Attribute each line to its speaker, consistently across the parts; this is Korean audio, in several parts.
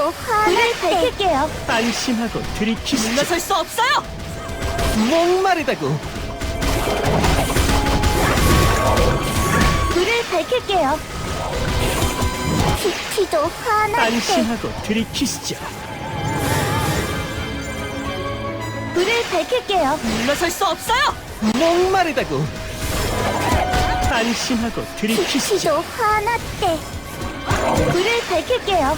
Speaker 1: 키티도 불을 밝힐게요.
Speaker 2: 안심하고 들이키시죠.
Speaker 3: 물러설 수 없어요!
Speaker 2: 목마르다고.
Speaker 1: 불을 밝힐게요. 키티도 화날 때
Speaker 2: 안심하고 들이키시죠.
Speaker 1: 불을 밝힐게요.
Speaker 3: 물러설 수 없어요!
Speaker 2: 목마르다고. 안심하고 들이키시죠.
Speaker 1: 키티도 화날 때 불을 밝힐게요.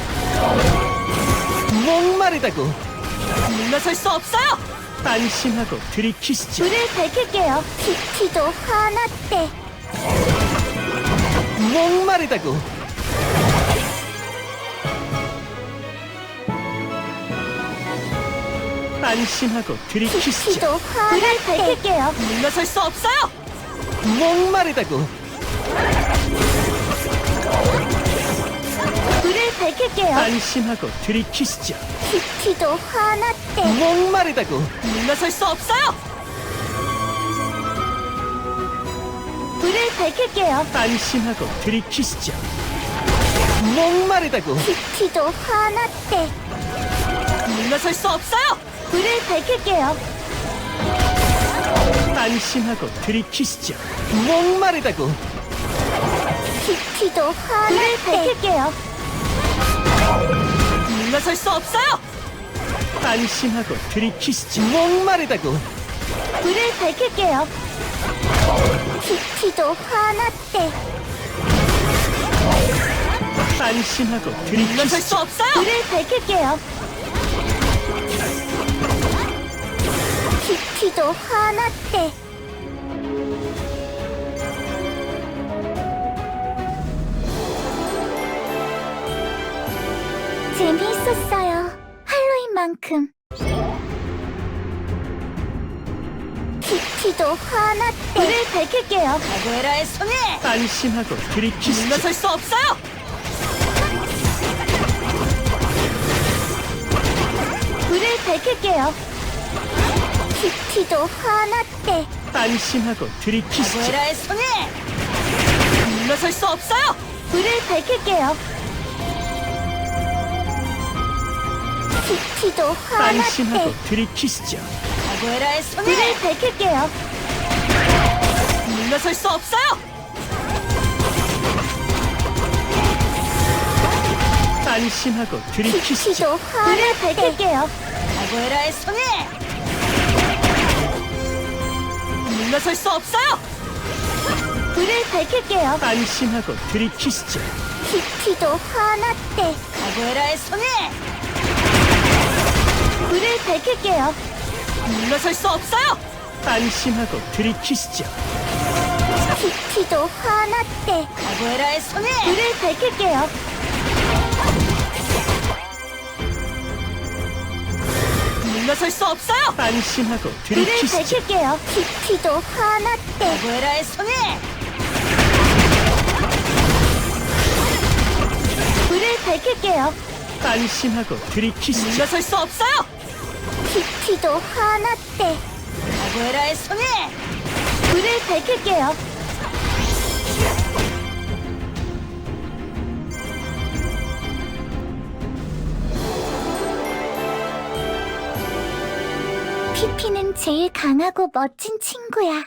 Speaker 2: 목마르다고.
Speaker 3: 물러설 수 없어요!
Speaker 2: 안심하고 들이키시죠.
Speaker 1: 불을 밝힐게요. 키티도 화날 때
Speaker 2: 목마르다고. 안심하고 들이키시죠.
Speaker 1: 키티도 화날 때 불을 밝힐게요.
Speaker 3: 물러설 수 없어요!
Speaker 2: 목마르다고.
Speaker 1: 불을 밝힐게요.
Speaker 2: 안심하고 들이키시죠.
Speaker 1: 키티도 화날 때
Speaker 2: 목마르다고.
Speaker 3: 물러설 수 없어요!
Speaker 1: 불을 밝힐게요.
Speaker 2: 안심하고 들이키시죠. 목마르다고.
Speaker 1: 키티도 화날 때
Speaker 3: 물러설 수 없어요!
Speaker 1: 불을 밝힐게요.
Speaker 2: 안심하고 들이키시죠. 목마르다고.
Speaker 1: 키티도 화날 때 밝힐게요.
Speaker 3: 물러설 수 없어요!
Speaker 2: 안심하고 들이키시죠. 목마르다고.
Speaker 1: 불을 밝힐게요. 키티도 화날 때
Speaker 2: 안심하고
Speaker 3: 물러설 수
Speaker 2: 들이키시죠.
Speaker 3: 없어요!
Speaker 1: 불을 밝힐게요. 키티도 화날 때 재미있었어요. 할로윈만큼. 키티도 화날 때 불을 밝힐게요.
Speaker 3: 카구에라의 손에!
Speaker 2: 안심하고 들이키시죠.
Speaker 3: 물러설 수 없어요!
Speaker 1: 불을 밝힐게요. 키티도 화날 때
Speaker 2: 안심하고 들이키시죠.
Speaker 3: 카구에라의 손에! 물러설 수 없어요!
Speaker 1: 불을 밝힐게요. 키티도 화날
Speaker 2: 안심하고
Speaker 1: 때
Speaker 2: 들이키시죠.
Speaker 3: 카구에라의 손에!
Speaker 1: 불을 밝힐게요.
Speaker 3: 물러설 수 없어요!
Speaker 2: 안심하고 들이키시죠.
Speaker 1: 키티도 화날 때 불을 밝힐게요.
Speaker 3: 카구에라의 손에! 물러설 수 없어요!
Speaker 1: 불을 밝힐게요.
Speaker 2: 안심하고 들이키시죠.
Speaker 1: 키티도 화날 때
Speaker 3: 카구에라의 손에!
Speaker 1: 불을 밝힐게요.
Speaker 3: 물러설 수 없어요!
Speaker 2: 안심하고 들이키시죠.
Speaker 1: 키티도 화날 때
Speaker 3: 카구에라의 손에!
Speaker 1: 불을 밝힐게요.
Speaker 3: 물러설 수 없어요!
Speaker 2: 안심하고
Speaker 1: 불을
Speaker 2: 들이키시죠.
Speaker 1: 밝힐게요. 키티도 화날 때
Speaker 3: 카구에라의 손에!
Speaker 1: 불을 밝힐게요.
Speaker 2: 안심하고 들이키시죠.
Speaker 3: 물러설 수 없어요!
Speaker 1: 키티도 화날 때
Speaker 3: 카구에라의 손에!
Speaker 1: 불을 밝힐게요. 피피는 제일 강하고 멋진 친구야.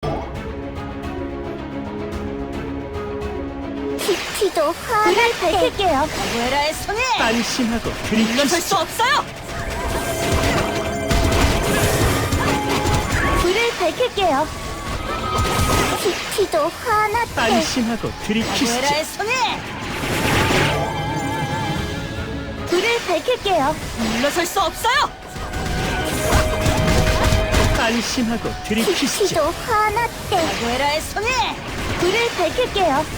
Speaker 1: 키티도 화날 때 밝힐게요.
Speaker 3: 카구에라의 손에!
Speaker 2: 안심하고
Speaker 3: 물러설
Speaker 2: 들이키시죠.
Speaker 3: 수 없어요!
Speaker 1: 불을 밝힐게요. 키티도 화날 때
Speaker 2: 안심하고 들이키시죠.
Speaker 3: 카구에라의 손에!
Speaker 1: 불을 밝힐게요.
Speaker 3: 물러설 수 없어요!
Speaker 2: 안심하고 들이키시죠.
Speaker 1: 키티도 화날 때
Speaker 3: 카구에라의 손에!
Speaker 1: 불을 밝힐게요.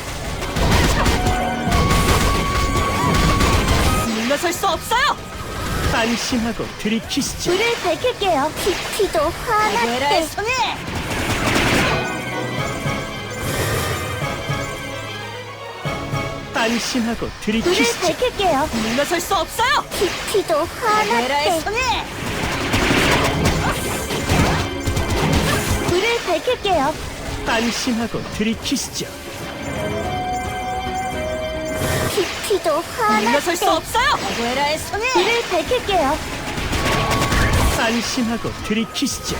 Speaker 3: 물러설 수 없어요!
Speaker 2: 안심하고 들이키시죠.
Speaker 1: 불을 밝힐게요. 키티도 화날
Speaker 3: 카구에라의
Speaker 1: 때
Speaker 3: 손에!
Speaker 2: 안심하고
Speaker 1: 불을
Speaker 2: 들이키시죠.
Speaker 1: 밝힐게요.
Speaker 3: 물러설 수 없어요!
Speaker 1: 키티도 화날
Speaker 3: 카구에라의
Speaker 1: 때
Speaker 3: 손에!
Speaker 1: 불을 밝힐게요.
Speaker 2: 안심하고 들이키시죠.
Speaker 1: 키티도
Speaker 3: 물러설 수
Speaker 1: 화났대.
Speaker 3: 없어요! 아구에라의 성에!
Speaker 1: 불을 밝힐게요.
Speaker 2: 안심하고 들이키시죠.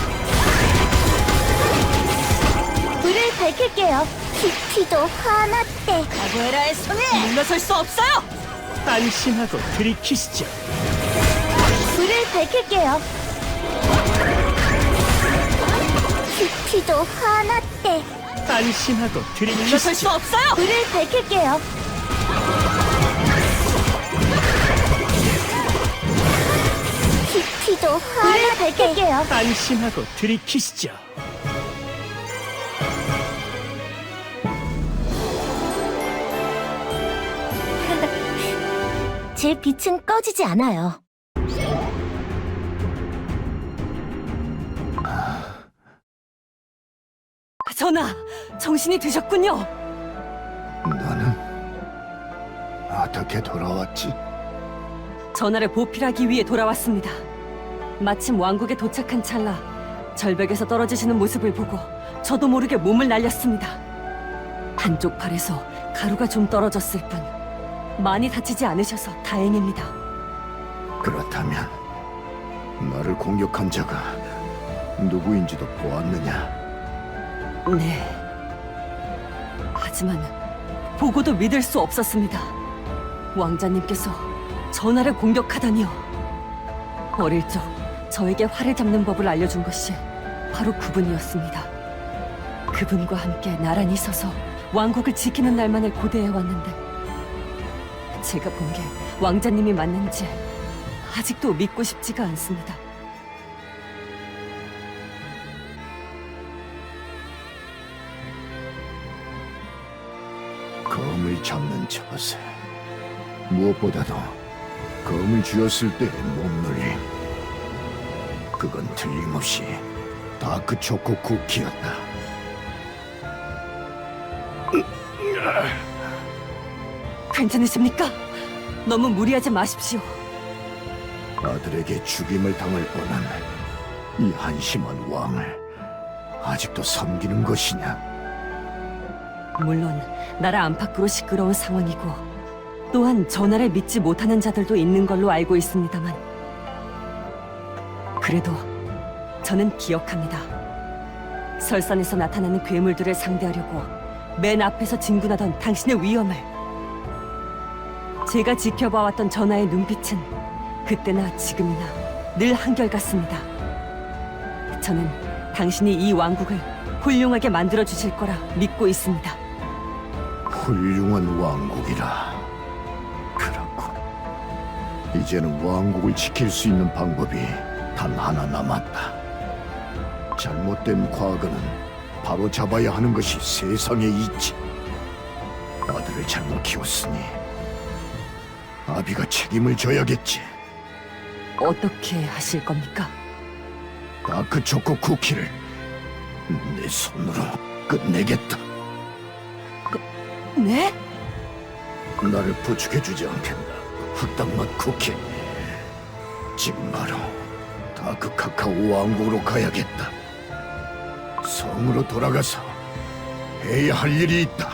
Speaker 1: 불을 밝힐게요. 키티도 화났대.
Speaker 3: 아구에라의 성에! 물러설 수 없어요!
Speaker 2: 안심하고 들이키시죠.
Speaker 1: 불을 밝힐게요. 키티도 화났대.
Speaker 2: 안심하고
Speaker 3: 물러설 수
Speaker 2: 들이키시죠.
Speaker 3: 없어요!
Speaker 1: 불을 밝힐게요. 키티도 화를 밝힐게요.
Speaker 2: 안심하고 들이키시죠.
Speaker 1: 제 빛은 꺼지지 않아요.
Speaker 3: 전하, 정신이 드셨군요.
Speaker 4: 너는 어떻게 돌아왔지?
Speaker 3: 전하를 보필하기 위해 돌아왔습니다. 마침 왕국에 도착한 찰나 절벽에서 떨어지시는 모습을 보고 저도 모르게 몸을 날렸습니다. 한쪽 팔에서 가루가 좀 떨어졌을 뿐 많이 다치지 않으셔서 다행입니다.
Speaker 4: 그렇다면 나를 공격한 자가 누구인지도 보았느냐?
Speaker 3: 네. 하지만 보고도 믿을 수 없었습니다. 왕자님께서 전하를 공격하다니요. 어릴 적 저에게 활을 잡는 법을 알려준 것이 바로 그분이었습니다. 그분과 함께 나란히 서서 왕국을 지키는 날만을 고대해왔는데 제가 본 게 왕자님이 맞는지 아직도 믿고 싶지가 않습니다.
Speaker 4: 검을 잡는 처세. 무엇보다도 검을 쥐었을 때의 몸놀림. 그건 틀림없이 다크 초코 쿠키였다.
Speaker 3: 괜찮으십니까? 너무 무리하지 마십시오.
Speaker 4: 아들에게 죽임을 당할 뻔한 이 한심한 왕을 아직도 섬기는 것이냐?
Speaker 3: 물론 나라 안팎으로 시끄러운 상황이고 또한 전하를 믿지 못하는 자들도 있는 걸로 알고 있습니다만 그래도 저는 기억합니다. 설산에서 나타나는 괴물들을 상대하려고 맨 앞에서 진군하던 당신의 위엄을 제가 지켜봐왔던 전하의 눈빛은 그때나 지금이나 늘 한결같습니다. 저는 당신이 이 왕국을 훌륭하게 만들어 주실 거라 믿고 있습니다.
Speaker 4: 훌륭한 왕국이라. 그렇군. 이제는 왕국을 지킬 수 있는 방법이 단 하나 남았다. 잘못된 과거는 바로 잡아야 하는 것이 세상에 있지. 아들을 잘못 키웠으니 아비가 책임을 져야겠지.
Speaker 3: 어떻게 하실 겁니까?
Speaker 4: 다크 초코 쿠키를 내 손으로 끝내겠다.
Speaker 3: 네?
Speaker 4: 나를 부축해주지 않겠나, 흑당맛 쿠키. 지금 바로 다크 카카오 왕국으로 가야겠다. 성으로 돌아가서 해야 할 일이 있다.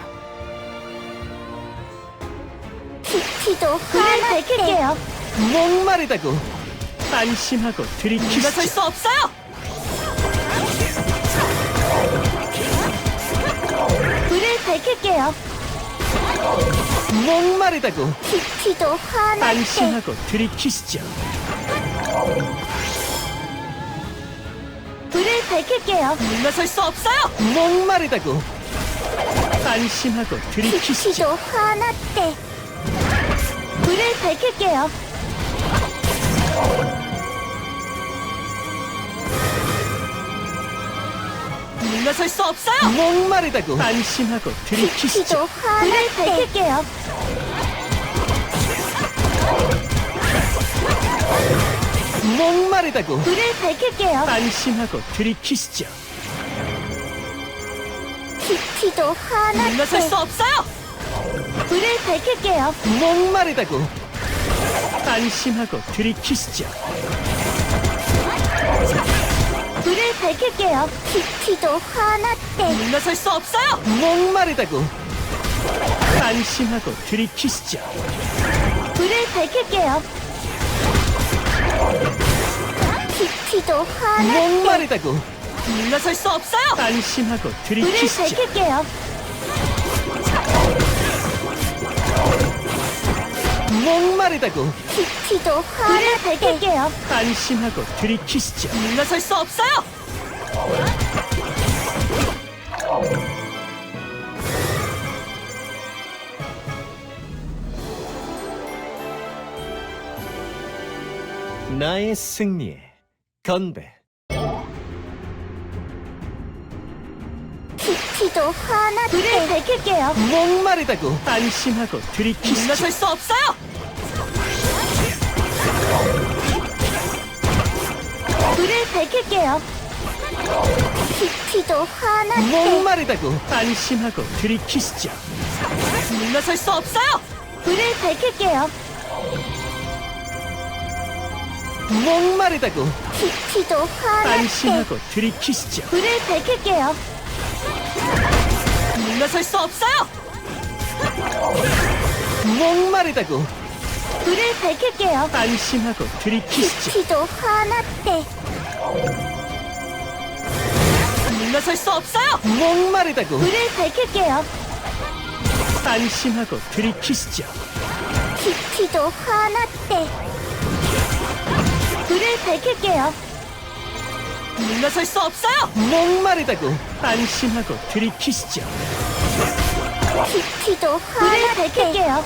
Speaker 1: 키티도 불을 밝힐게요.
Speaker 2: 목마르다고 안심하고
Speaker 3: 물러설
Speaker 2: 들이키시죠.
Speaker 3: 수 없어요!
Speaker 1: 불을 밝힐게요.
Speaker 2: 목마르다고
Speaker 1: 키티도 화났대.
Speaker 2: 안심하고 들이키시죠.
Speaker 1: 불을 밝힐게요.
Speaker 3: 물러설 수 없어요!
Speaker 2: 목마르다고 안심하고 들이키시죠.
Speaker 1: 키티도 화났대. 불을 밝힐게요.
Speaker 3: 물러설 수 없어요!
Speaker 2: 목마르다고 안심하고 들이키시죠.
Speaker 1: 키티도 화를 밝힐게요.
Speaker 2: 목마르다고
Speaker 1: 불을 밝힐게요.
Speaker 2: 안심하고 들이키시죠.
Speaker 1: 키티도
Speaker 3: 물러설 수
Speaker 1: 화났대.
Speaker 3: 없어요!
Speaker 1: 불을 밝힐게요.
Speaker 2: 목마르다고 안심하고 들이키시죠.
Speaker 1: 불을 밝힐게요. 키티도 화났대.
Speaker 3: 물러설 수 없어요!
Speaker 2: 목마르다고 안심하고 들이키시죠.
Speaker 1: 불을 밝힐게요. 키티도 화났대.
Speaker 2: 목마르다고
Speaker 3: 물러설 수 없어요.
Speaker 2: 안심하고
Speaker 1: 불을
Speaker 2: 들이키시죠.
Speaker 1: 밝힐게요.
Speaker 2: 목마르다고
Speaker 1: 키티도 화를 밝힐게요.
Speaker 2: 안심하고 들이키시죠.
Speaker 3: 물러설 수 없어요.
Speaker 2: 나의 승리에 건배.
Speaker 1: 키티도 화났대. 불을 밝힐게요.
Speaker 2: 목마르다고 안심하고 들이키시죠.
Speaker 3: 물러설 수 없어요.
Speaker 1: 불을 밝힐게요. 키티도 화났대.
Speaker 2: 목마르다고 안심하고 들이키시죠.
Speaker 3: 물러설 수 없어요.
Speaker 1: 불을 밝힐게요.
Speaker 2: 목마르다고
Speaker 1: 키티도 화났대.
Speaker 2: 안심하고 들이키시죠.
Speaker 1: 불을 밝힐게요.
Speaker 3: 물러설 수 없어요.
Speaker 2: 목마르다고
Speaker 1: 불을 밝힐게요.
Speaker 2: 안심하고 들이키시죠.
Speaker 1: 키티도 화났대.
Speaker 3: 물러설 수 없어요.
Speaker 2: 목마르다고
Speaker 1: 불을 밝힐게요.
Speaker 2: 안심하고 들이키시죠.
Speaker 1: 키티도 화났대. 불을 밝힐게요.
Speaker 3: 물러설 수 없어요.
Speaker 2: 목마르다고 안심하고 들이키시죠.
Speaker 1: 키티도 화났대. 불을 밝힐게요.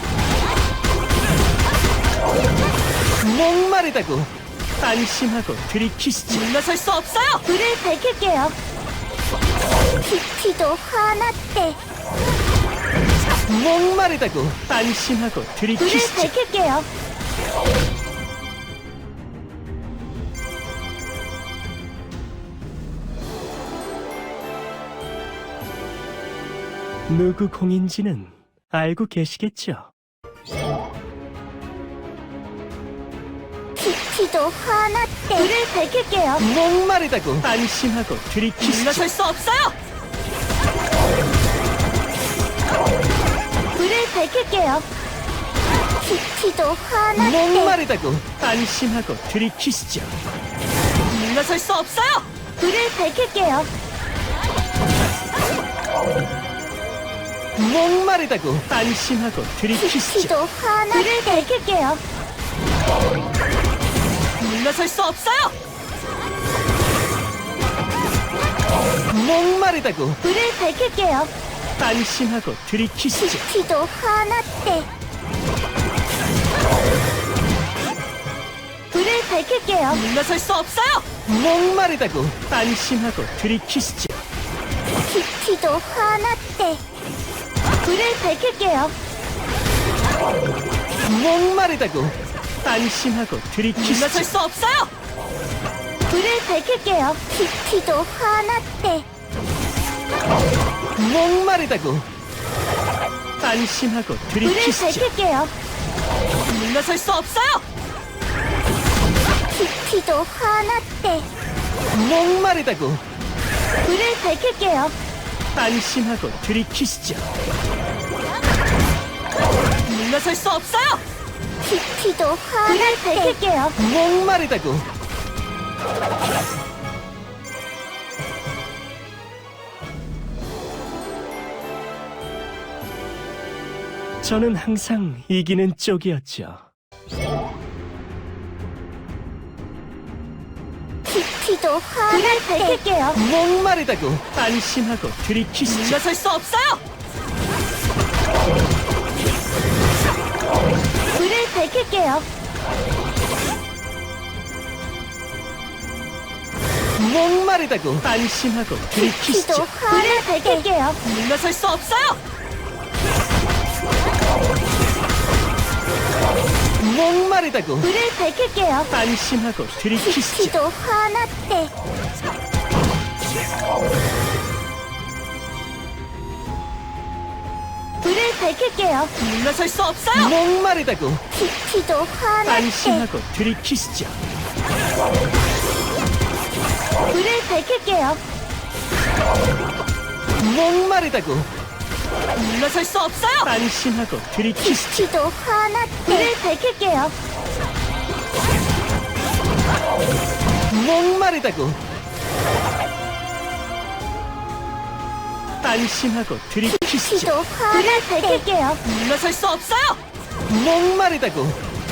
Speaker 2: 목마르다고 안심하고 들이키시죠.
Speaker 3: 물러설 수 없어요.
Speaker 1: 불을 밝힐게요. 키티도 화났대.
Speaker 2: 목마르다고 안심하고
Speaker 1: 불을
Speaker 2: 들이키시죠.
Speaker 1: 밝힐게요.
Speaker 2: 누구 공인지는 알고 계시겠죠?
Speaker 1: 키티도 화났대. 불을 밝힐게요.
Speaker 2: 목마르다고 안심하고 들이키시죠.
Speaker 3: 물러설 수 없어요.
Speaker 1: 불을 밝힐게요. 키티도 화났대.
Speaker 2: 목마르다고 안심하고 들이키시죠.
Speaker 3: 물러설 수 없어요.
Speaker 1: 불을 밝힐게요.
Speaker 2: 목마르다고 안심하고 들이키시죠.
Speaker 1: 키티도 화났대. 불을 밝힐게요.
Speaker 3: 물러설 수 없어요.
Speaker 2: 목마르다고
Speaker 1: 불을 밝힐게요.
Speaker 2: 안심하고 들이키시죠.
Speaker 1: 키티도 화났대. 불을 밝힐게요.
Speaker 3: 물러설 수 없어요.
Speaker 2: 목마르다고 안심하고 들이키시죠.
Speaker 1: 키티도 화났대. 불을 밝힐게요.
Speaker 2: 목마르다고 안심하고 들이키시죠.
Speaker 3: 물러설 수 없어요.
Speaker 1: 불을 밝힐게요. 키티도 화났대.
Speaker 2: 목마르다고 안심하고
Speaker 1: 불을
Speaker 2: 들이키시죠.
Speaker 1: 밝힐게요.
Speaker 3: 물러설 수 없어요.
Speaker 1: 키티도 화났대.
Speaker 2: 목마르다고
Speaker 1: 불을 밝힐게요.
Speaker 2: 안심하고 들이키시죠.
Speaker 3: 물러설 수 없어요.
Speaker 1: 키티도 화났대. 불을 밝힐게요.
Speaker 2: 목마르다고 저는 항상 이기는 쪽이었죠.
Speaker 1: 키티도 화났대. 불을 밝힐게요.
Speaker 2: 목마르다고 안심하고 들이키시죠.
Speaker 3: 물러설 수 없어요.
Speaker 1: 불을 밝힐게요.
Speaker 2: 목마르다고 안심하고
Speaker 1: 키티도
Speaker 2: 들이키시죠.
Speaker 1: 불을 밝힐게요.
Speaker 3: 물러설 수 없어요.
Speaker 2: 목마르다고
Speaker 1: 불을 밝힐게요.
Speaker 2: 안심하고 들이키시죠.
Speaker 1: 키티도 화났대. 불을 밝힐게요.
Speaker 3: 물러설 수 없어요.
Speaker 2: 목마르다고
Speaker 1: 키티도 화났대.
Speaker 2: 안심하고 들이키시죠.
Speaker 1: 불을 밝힐게요.
Speaker 2: 목마르다고
Speaker 3: 물러설 수 없어요!
Speaker 2: 안심하고 들이키시죠.
Speaker 1: 지도 하나 불을 밝힐게요.
Speaker 2: 목마르다고. 안심하고 들이키시죠.
Speaker 1: 지도 하나 밝힐게요.
Speaker 3: 물러설 수 없어요!
Speaker 2: 목마르다고.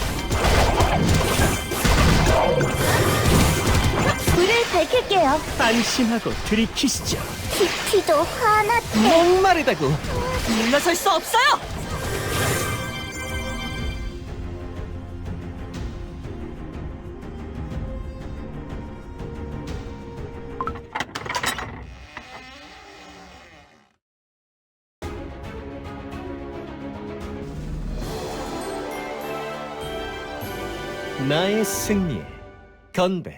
Speaker 1: 불을 밝힐게요.
Speaker 2: 안심하고 들이키시죠.
Speaker 1: 지도 하나
Speaker 2: 목마르다고.
Speaker 3: 물러설 수 없어요!
Speaker 2: 나의 승리에 건배.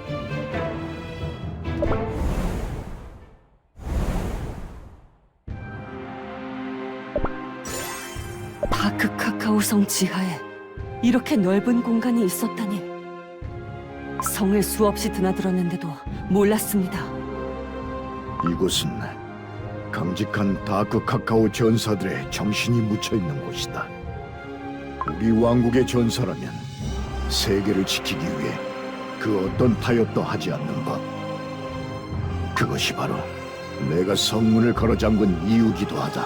Speaker 3: 다크 카카오성 지하에 이렇게 넓은 공간이 있었다니. 성을 수없이 드나들었는데도 몰랐습니다.
Speaker 4: 이곳은 강직한 다크 카카오 전사들의 정신이 묻혀 있는 곳이다. 우리 왕국의 전사라면 세계를 지키기 위해 그 어떤 타협도 하지 않는 법. 그것이 바로 내가 성문을 걸어 잠근 이유기도 하다.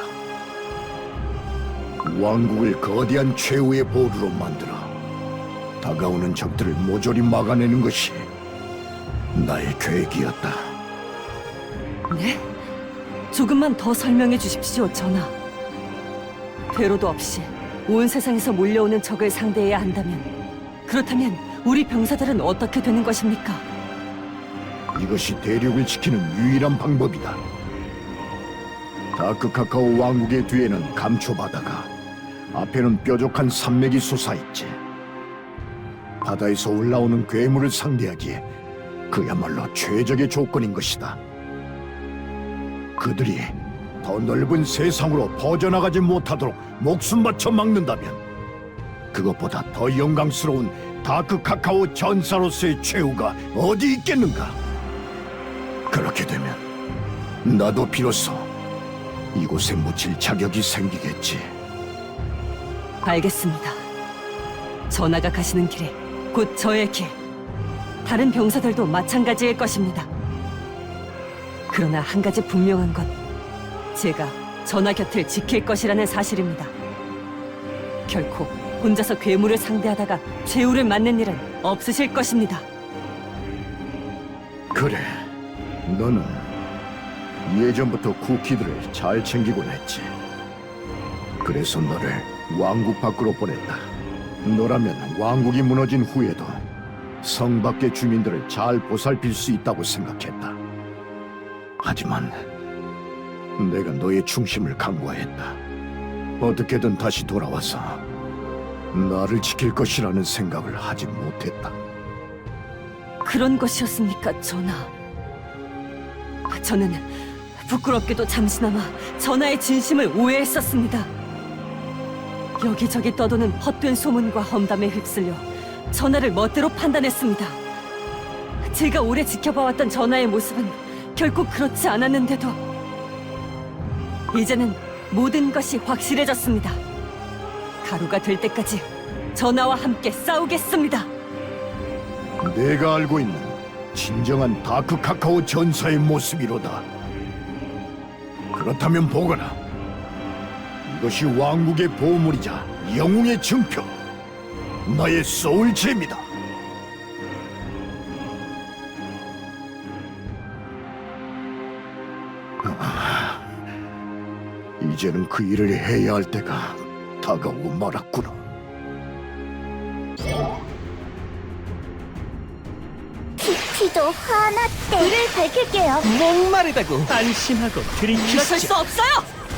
Speaker 4: 왕국을 거대한 최후의 보루로 만들어 다가오는 적들을 모조리 막아내는 것이 나의 계획이었다.
Speaker 3: 네? 조금만 더 설명해 주십시오, 전하. 배로도 없이 온 세상에서 몰려오는 적을 상대해야 한다면, 그렇다면 우리 병사들은 어떻게 되는 것입니까?
Speaker 4: 이것이 대륙을 지키는 유일한 방법이다. 다크 카카오 왕국의 뒤에는 감초바다가, 앞에는 뾰족한 산맥이 솟아있지. 바다에서 올라오는 괴물을 상대하기에 그야말로 최적의 조건인 것이다. 그들이 더 넓은 세상으로 퍼져나가지 못하도록 목숨 바쳐 막는다면 그것보다 더 영광스러운 다크 카카오 전사로서의 최후가 어디 있겠는가? 그렇게 되면 나도 비로소 이곳에 묻힐 자격이 생기겠지.
Speaker 3: 알겠습니다. 전하가 가시는 길이 곧 저의 길. 다른 병사들도 마찬가지일 것입니다. 그러나 한 가지 분명한 건 제가 전하 곁을 지킬 것이라는 사실입니다. 결코 혼자서 괴물을 상대하다가 최후를 맞는 일은 없으실 것입니다.
Speaker 4: 그래, 너는 예전부터 쿠키들을 잘 챙기곤 했지. 그래서 너를 왕국 밖으로 보냈다. 너라면 왕국이 무너진 후에도 성 밖의 주민들을 잘 보살필 수 있다고 생각했다. 하지만 내가 너의 충심을 간과했다. 어떻게든 다시 돌아와서 나를 지킬 것이라는 생각을 하지 못했다.
Speaker 3: 그런 것이었습니까, 전하? 저는 부끄럽게도 잠시나마 전하의 진심을 오해했었습니다. 여기저기 떠도는 헛된 소문과 험담에 휩쓸려 전하를 멋대로 판단했습니다. 제가 오래 지켜봐왔던 전하의 모습은 결코 그렇지 않았는데도 이제는 모든 것이 확실해졌습니다. 가루가 될 때까지 전하와 함께 싸우겠습니다.
Speaker 4: 내가 알고 있는 진정한 다크 카카오 전사의 모습이로다. 그렇다면 보거라. 이것이 왕국의 보물이자 영웅의 증표, 나의 소울잼이다. 이제는 그 일을 해야 할 때가 다가오고 말았구나.
Speaker 1: 지도 하나 불을 밝힐게요.
Speaker 2: 목마르다고. 안심하고
Speaker 3: 물러설
Speaker 2: 들이키시죠.
Speaker 3: 수 없어요!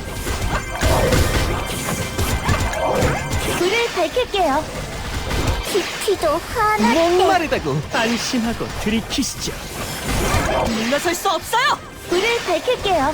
Speaker 1: 불을 밝힐게요. 지도 하나
Speaker 2: 목마르다고. 안심하고 들이키시죠.
Speaker 3: 물러설 수 없어요!
Speaker 1: 불을 밝힐게요.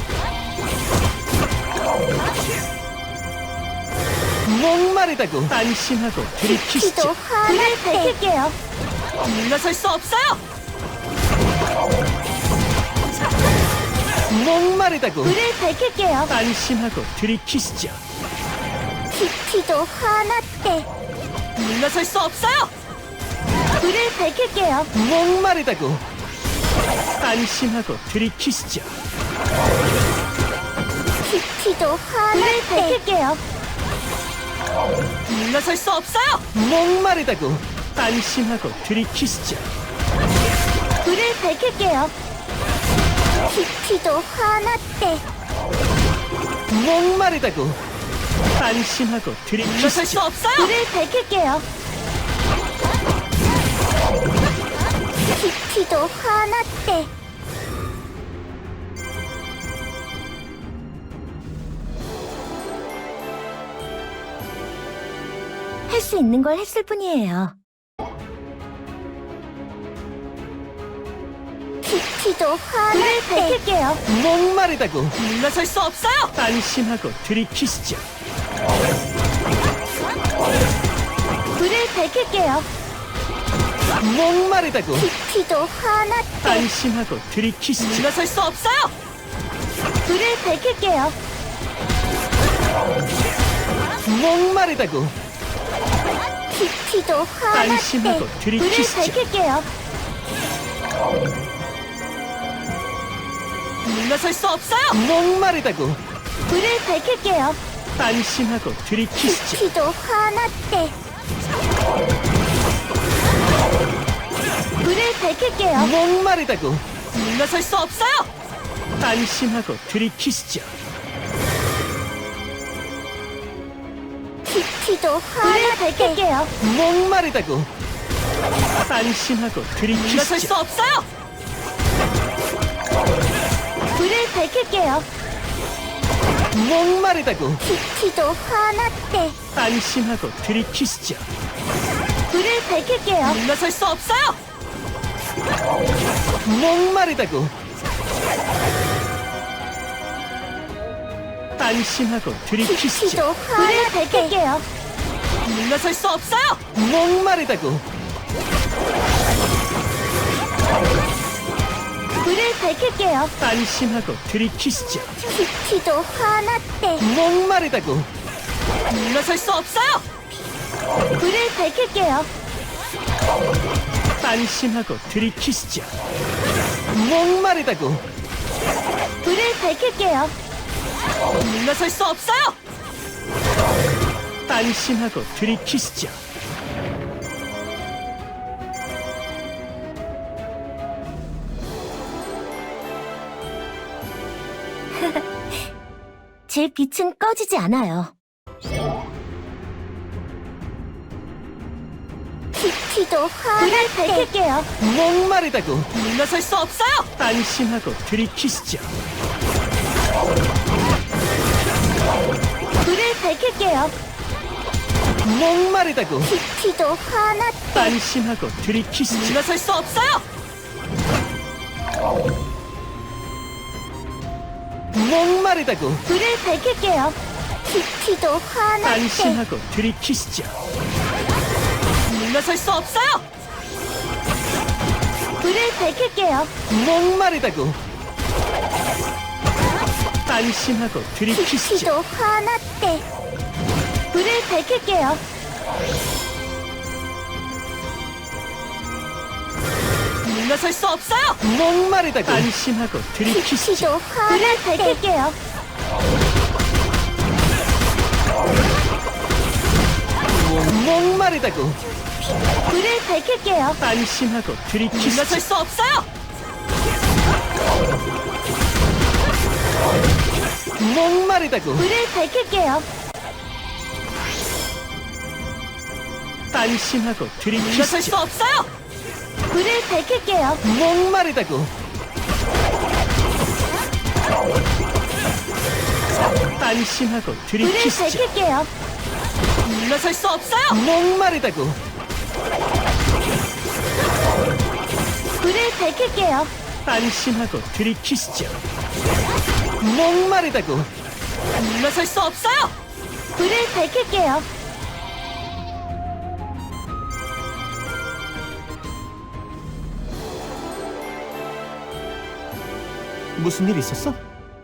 Speaker 2: 목마르다고. 안심하고
Speaker 1: 지도
Speaker 2: 들이키시죠.
Speaker 1: 하나 밝힐게요.
Speaker 3: 물러설 수 없어요!
Speaker 2: 목마르다고.
Speaker 1: 불을 밝힐게요.
Speaker 2: 안심하고 들이키시죠.
Speaker 1: 키티도 화났대.
Speaker 3: 물러설 수 없어요.
Speaker 1: 불을 밝힐게요.
Speaker 2: 목마르다고. 안심하고 들이키시죠.
Speaker 1: 키티도 화났대. 불을 밝힐게요.
Speaker 3: 물러설 수 없어요.
Speaker 2: 목마르다고. 안심하고 들이키시죠.
Speaker 1: 불을 밝힐게요. 키티도 화났대.
Speaker 2: 목마르다고. 안심하고
Speaker 3: 물러설 수
Speaker 2: 들이키시죠.
Speaker 3: 없어요.
Speaker 1: 불을 밝힐게요. 키티도 화났대. 할 수 있는 걸 했을 뿐이에요. 키티도 화났대. 불을 밝힐게요.
Speaker 2: 목마르다고.
Speaker 3: 물러설 수 없어요.
Speaker 2: 안심하고 들이키시죠.
Speaker 1: 불을 밝힐게요.
Speaker 2: 목마르다고.
Speaker 1: 키티도 화났대.
Speaker 2: 안심하고 들이키시죠.
Speaker 3: 물러설 수 없어요.
Speaker 1: 불을 밝힐게요.
Speaker 2: 목마르다고.
Speaker 1: 키티도 화났대.
Speaker 2: 안심하고
Speaker 1: 불을
Speaker 2: 들이키시죠.
Speaker 1: 밝힐게요.
Speaker 3: 물러설 수 없어요.
Speaker 2: 목마르다고.
Speaker 1: 불을 밝힐게요.
Speaker 2: 안심하고 들이키시죠.
Speaker 1: 키티도 화났대. 불을 밝힐게요.
Speaker 2: 목마르다고.
Speaker 3: 물러설 수 없어요.
Speaker 2: 안심하고 들이키시죠.
Speaker 1: 키티도 화났대. 불을 밝힐게요.
Speaker 2: 목마르다고. 안심하고
Speaker 3: 물러설
Speaker 2: 들이키시죠.
Speaker 3: 수 없어요.
Speaker 1: 불을 밝힐게요.
Speaker 2: 목마르다고.
Speaker 1: 키티도 화났대.
Speaker 2: 안심하고 들이키시죠.
Speaker 1: 불을 밝힐게요.
Speaker 3: 물러설 수 없어요.
Speaker 2: 목마르다고. 안심하고 들이키시죠.
Speaker 1: 키티도 화났대. 불을 밝힐게요.
Speaker 3: 물러설 수 없어요.
Speaker 2: 목마르다고.
Speaker 1: 불을 밝힐게요.
Speaker 2: 안심하고 들이키시죠.
Speaker 1: 키티도 화났대.
Speaker 2: 목마르다고.
Speaker 3: 물러설 수 없어요.
Speaker 1: 불을 밝힐게요.
Speaker 2: 안심하고 들이키시죠. 목마르다고.
Speaker 1: 불을 밝힐게요.
Speaker 3: 물러설 수 없어요.
Speaker 2: 안심하고 들이키시죠.
Speaker 1: 제 빛은 꺼지지 않아요. 키티도 화났대. 불을 밝힐게요.
Speaker 2: 목마르다고.
Speaker 3: 물러설 수 없어요.
Speaker 2: 안심하고 들이키시죠.
Speaker 1: 불을 밝힐게요.
Speaker 2: 목마르다고.
Speaker 1: 키티도 화났대.
Speaker 2: 안심하고 들이키시죠.
Speaker 3: 물러설 수 없어요.
Speaker 2: 목마르다고.
Speaker 1: 불을 밝힐게요. 키티도 화났대.
Speaker 2: 안심하고 들이키시죠.
Speaker 3: 물러설 수 없어요.
Speaker 1: 불을 밝힐게요.
Speaker 2: 목마르다고. 안심하고 들이키시죠.
Speaker 1: 키티도 화났대. 불을 밝힐게요.
Speaker 3: 물러설 수 없어요.
Speaker 2: 목마르다고. 안심하고 들이키시죠.
Speaker 1: 키티도 화났대. 불을 밝힐게요.
Speaker 2: 목마르다고.
Speaker 1: 불을 밝힐게요.
Speaker 2: 안심하고 들이키시죠.
Speaker 3: 물러설 수 없어요.
Speaker 2: 목마르다고.
Speaker 1: 불을 밝힐게요.
Speaker 2: 안심하고
Speaker 3: 물러설
Speaker 2: 들이키시죠.
Speaker 3: 수 없어요.
Speaker 1: 불을 밝힐게요.
Speaker 2: 목마르다고. 안심하고
Speaker 1: 불을
Speaker 2: 들이키시죠.
Speaker 1: 밝힐게요.
Speaker 3: 물러설 수 없어요.
Speaker 2: 목마르다고.
Speaker 1: 불을 밝힐게요.
Speaker 2: 안심하고 들이키시죠. 목마르다고.
Speaker 3: 물러설 수 없어요.
Speaker 1: 불을 밝힐게요.
Speaker 2: 무슨 일 있었어?